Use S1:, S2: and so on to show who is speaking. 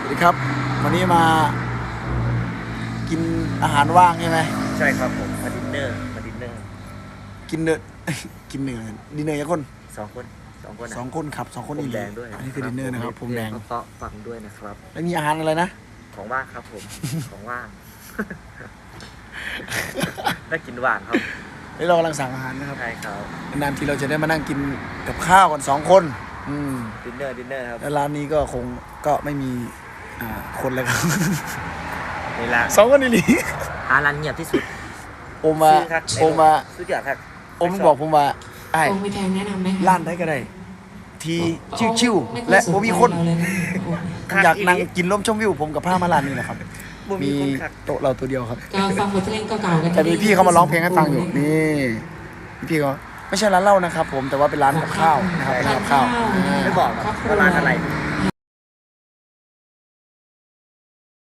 S1: สวัสดีครับวันนี้มากินอาหารว่างใช่ไหม
S2: ใช่ครับผมมาดินเนอร์
S1: กินเนอร์ กินเนื้อดินเนอร์ยังคน
S2: สองคนอะ
S1: สองคนครับ2 คน
S2: ผม
S1: อีก
S2: แดงด้วย
S1: อันนี้คือดินเนอร์นะครับผมแดง
S2: เพาะฟังด้วยนะครับ
S1: แล้วมีอาหารอะไรนะ
S2: ของว่างครับผม ของว่าง ได้กินว่างครับ
S1: แล้วเรากำลังสั่งอาหารนะครับ
S2: ใช่ครับ
S1: นานๆทีเราจะได้มานั่งกินกับข้าวกัน2 คน
S2: ดินเนอร์ครับ
S1: แล้วร้านนี้ก็คงก็ไม่มีคนเลยครับ
S2: นี่ละ
S1: 2 คนนี่หลี
S2: ร้านเงียบที่สุด
S1: โอมา
S2: ซื้ครับ
S1: โอมา
S2: สุดยอดครับ
S1: โอมบอกผมว่าไอ้
S3: โอ้มีแทงแนะนำไหมคะ
S1: ร้านไหนก็ได้ทีชิวๆและบ่มีคน
S3: เราเลยนะโอ้
S1: อยากนั่งกินลมชมวิวผมกับผ้ามาร้านนี้แหละครับ
S2: บ่มี
S1: มี
S2: คนคัก
S1: โต๊ะเราตัวเดียวครับ
S3: ก็ฟังบทเพลงเก่าๆกัน
S1: แต่มีพี่เขามาร้องเพลงให้ฟังอยู่นี่พี่เขาไม่ใช่ร้านเหล้านะครับผมแต่ว่าเป็นร้านกับข้าวนะครับเป็นร้านกับข้าว
S2: ไม่บอกหรอกว่าร้านอะไร